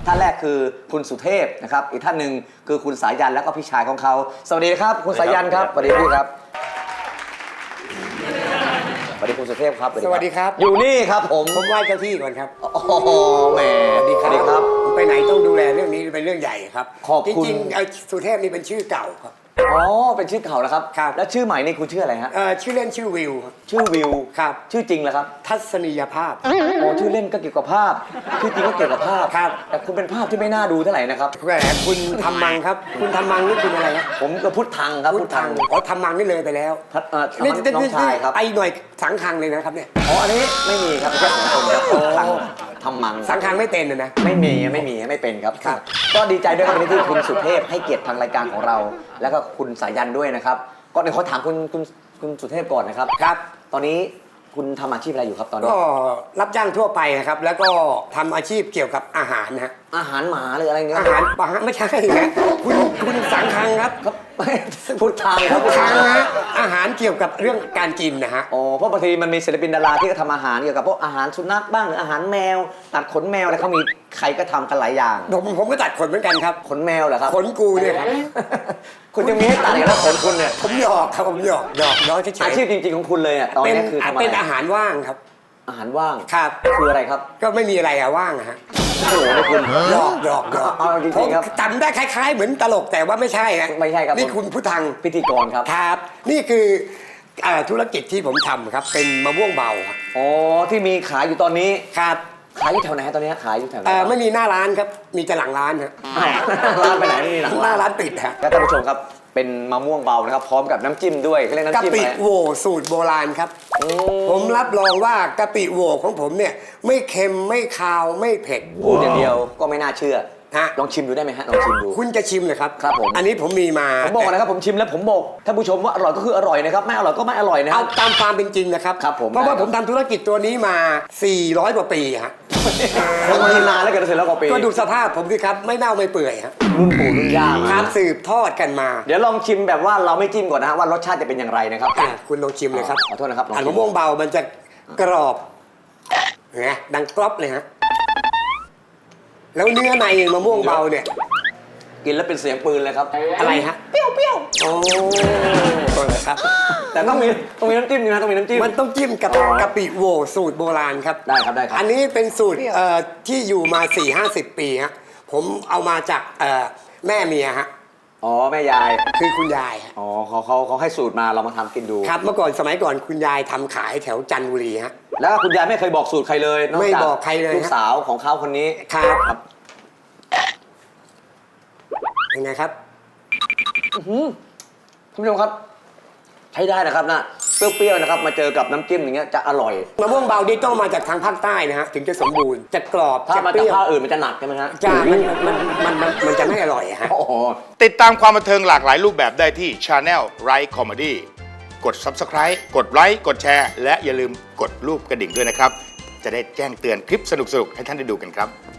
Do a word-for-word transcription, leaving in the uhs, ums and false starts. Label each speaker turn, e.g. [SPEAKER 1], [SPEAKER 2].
[SPEAKER 1] ท่านแรกคือคุณสุเทพนะครับอีกท่านหนึ่งคือคุณสายันแล้วก็พี่ชายของเขาสวัสดีครับคุณสายันครับสวัสดีพี่ครับสวัสดีคุณสุเทพครับ
[SPEAKER 2] สวัสดีครับ
[SPEAKER 1] อยู่นี่ครับผม
[SPEAKER 2] ผมไหว้เจ้าที่ก่อนครับ
[SPEAKER 1] โอ้โหแหม
[SPEAKER 2] สวัสดี
[SPEAKER 1] ครับ
[SPEAKER 2] ไปไหนต้องดูแลเรื่องนี้เป็นเรื่องใหญ่ครับ
[SPEAKER 1] ขอบคุณ
[SPEAKER 2] จริงๆสุเทพนี่เป็นชื่อเก่าครับ
[SPEAKER 1] อ๋อเป็นชื่อเก่าแล้วครับ
[SPEAKER 2] ครับ
[SPEAKER 1] แล้วชื่อใหม่นี่คุณชื่ออะไรฮะ
[SPEAKER 2] เอ่อชื่อเล่นชื่อวิว
[SPEAKER 1] ชื่อวิว
[SPEAKER 2] ครับ
[SPEAKER 1] ชื่อจริงเหรอครับ
[SPEAKER 2] ทัศนียภาพ
[SPEAKER 1] โอ้ชื่อเล่นก็เกี่ยวกับภาพชื่อจริงก็เกี่ยวกับภาพ
[SPEAKER 2] ครับ
[SPEAKER 1] แต่คุณเป็นภาพที่ไม่น่าดูเท่าไหร่นะครับ
[SPEAKER 2] แหมคุณทำมังครับคุณทำมังนี่คุณอะไรครับ
[SPEAKER 1] ผมก็พุทธังครับ
[SPEAKER 2] พุทธังอ๋อทำมังนี่เลยไปแล้ว
[SPEAKER 1] พัดเอ่อน้องชายครับ
[SPEAKER 2] ไอหน่วยสังคังเลยนะครับเนี่ย
[SPEAKER 1] อ๋ออันนี้ไม่มีครับแค่สองคนครับพุทธังทำมัง
[SPEAKER 2] สังคังไม่เป็นนะ
[SPEAKER 1] ไม่มีไม่มีไม่เป็นครับก็ดีใจด้วยครับที่คุณสุเทพให้เกียรติทางรายการของเราแล้วก็คุณสายันด้วยนะครับก็เดี๋ยวเขาถามคุณคุณคุณสุเทพก่อนนะครับ
[SPEAKER 2] ครับ
[SPEAKER 1] ตอนนี้คุณทำอาชีพอะไรอยู่ครับตอนนี้
[SPEAKER 2] ก็รับจ้างทั่วไปนะครับแล้วก็ทำอาชีพเกี่ยวกับอาหารนะ
[SPEAKER 1] อาหารหมาหรืออะไรเงี้ย
[SPEAKER 2] อาหารปลาไม่ใช่นะคุณคุณสังคังครับ
[SPEAKER 1] ครับพุทธัง
[SPEAKER 2] พุทธังนะอาหารเกี่ยวกับเรื่องการกินนะฮะ
[SPEAKER 1] อ๋อเพราะบางทีมันมีศิลปินดาราที่ก็ทำอาหารเกี่ยวกับพวกอาหารสุนัขบ้างหรืออาหารแมวตัดขนแมวอะไรเขามีใครก็ทำกันหลายอย่าง
[SPEAKER 2] ผมผมก็ตัดขนเหมือนกันครับ
[SPEAKER 1] ขนแมวเหรอครับ
[SPEAKER 2] ขนกูเนี่ยครับ
[SPEAKER 1] คุณจะมีให้ตัดอีกแล้วขนคุณเนี่ย
[SPEAKER 2] ผมหยอกครับผมหยอกหยอกน้อยเฉยๆ
[SPEAKER 1] อาชีพจริงๆของคุณเลยอ่ะตอนนี้คือทำอะไร
[SPEAKER 2] เป็นอาหารว่างครับ
[SPEAKER 1] อาหารว่าง
[SPEAKER 2] ครับ
[SPEAKER 1] คืออะไรครับ
[SPEAKER 2] ก็ไม่มีอะไรอะว่างอะฮะ
[SPEAKER 1] โอ้โหนี่คุณ
[SPEAKER 2] หยอกหยอกหยอก
[SPEAKER 1] เอาจริงๆครับ
[SPEAKER 2] จำได้คล้ายๆเหมือนตลกแต่ว่าไม่ใช่ฮะ
[SPEAKER 1] ไม่ใช่ครับ
[SPEAKER 2] นี่คุณพุทธัง
[SPEAKER 1] พิธีกรครับ
[SPEAKER 2] ครับนี่คือธุรกิจที่ผมทำครับเป็นมะม่วงเบา
[SPEAKER 1] อ๋อที่มีขายอยู่ตอนนี้
[SPEAKER 2] ครับ
[SPEAKER 1] ขายอยู่แถวไหนตอนนี้ขายอยู่แถวไหน
[SPEAKER 2] ไม่มีหน้าร้านครับมีแต่หลังร้านฮะ
[SPEAKER 1] ร้านไปไหนนี่หลัง
[SPEAKER 2] หน้าร้านปิดฮะ
[SPEAKER 1] แล้วท่านผู้ชมครับเป็นมะม่วงเบานะครับพร้อมกับน้ำจิ้มด้วยเรียกน้ำจิ้ม
[SPEAKER 2] กะปิโหวสูตรโบราณครับผมรับรองว่ากะปิโหวของผมเนี่ยไม่เค็มไม่คาวไม่เผ็ด
[SPEAKER 1] พูดอย่างเดียวก็ไม่น่าเชื่อ
[SPEAKER 2] ฮะ
[SPEAKER 1] ลองชิมดูได้ไหมฮะลองชิมดู
[SPEAKER 2] คุณจะชิมเลยครับ
[SPEAKER 1] ครับผม
[SPEAKER 2] อันนี้ผมมีมา
[SPEAKER 1] ผมบอกนะครับผมชิมแล้วผมบอกท่านผู้ชมว่าอร่อยก็คืออร่อยนะครับไม่อร่อยก็ไม่อร่อยนะ
[SPEAKER 2] เอาตามความเป็นจริงนะครับ
[SPEAKER 1] ครับผม
[SPEAKER 2] เพราะว่าผมทำธุรกิจตัวนี้มาสี่ร้อยกว่าปีฮะ
[SPEAKER 1] คงมานานแล้วกันเสร็จแล้วกว่าปี
[SPEAKER 2] ก็ดูสภาพผมสิครับไม่เน่าไม่เปื่อยฮะ
[SPEAKER 1] รุ่นปู่รุ่นย่า
[SPEAKER 2] ครับสืบทอดกันมา
[SPEAKER 1] เดี๋ยวลองชิมแบบว่าเราไม่จิ้มก่อนนะฮะว่ารสชาติจะเป็นอย่างไรนะครับ
[SPEAKER 2] คุณลองชิมเลยครับ
[SPEAKER 1] ขอโทษนะครับ
[SPEAKER 2] อันมะม่วงเบามันจะกรอบไงดังกรอบเลยฮะแล้วเนื้อในมะม่วงเบาเนี่ย
[SPEAKER 1] กินแล้วเป็นเสียงปืนเลยครับ
[SPEAKER 2] อะไรฮะ
[SPEAKER 1] เปรี้ยวเปรี้ยว
[SPEAKER 2] โอ้ครับ
[SPEAKER 1] แต่ต้องมีต้องมีน้ำจิ้มนะต้องมีน้ำจิ้ม
[SPEAKER 2] มันต้องจิ้มกับกะปิโหวสูตรโบราณครับ
[SPEAKER 1] ได้ครับได้ครับ
[SPEAKER 2] อันนี้เป็นสูตรที่อยู่มา สี่ห้าสิบ ปีฮะผมเอามาจากแม่เมียฮะ
[SPEAKER 1] อ๋อแม่ยาย
[SPEAKER 2] คือคุณยาย
[SPEAKER 1] อ๋อเขาเขาเขาให้สูตรมาเรามาทำกินดู
[SPEAKER 2] ครับเมื่อก่อนสมัยก่อนคุณยายทำขายแถวจันทบุรีฮะ
[SPEAKER 1] แล้วคุณยายไม่เคยบอกสูตรใครเลย
[SPEAKER 2] ไม่บอกใครเลย
[SPEAKER 1] ลูกสาวของเขาคนนี้
[SPEAKER 2] ครับยังไงครับ
[SPEAKER 1] ท่านผู้ชมครับใช้ได้นะครับนะเปรี้ยวๆนะครับมาเจอกับน้ำจิ้มอย่างเงี้ยจะอร่อย
[SPEAKER 2] มะม่วงเบานี่ต้องมาจากทางภาคใต้นะฮะถึงจะสมบูรณ์จะกรอบ
[SPEAKER 1] ถ้ามาจากภาคอื่นมันจะหนักใช่ไหมฮะ
[SPEAKER 2] จ้ามันมันมันมันจะไม่อร่อยฮะ
[SPEAKER 3] ติดตามความบันเทิงหลากหลายรูปแบบได้ที่ Channel Right Comedy กด Subscribe กดไลค์กดแชร์และอย่าลืมกดรูปกระดิ่งด้วยนะครับจะได้แจ้งเตือนคลิปสนุกๆให้ท่านได้ดูกันครับ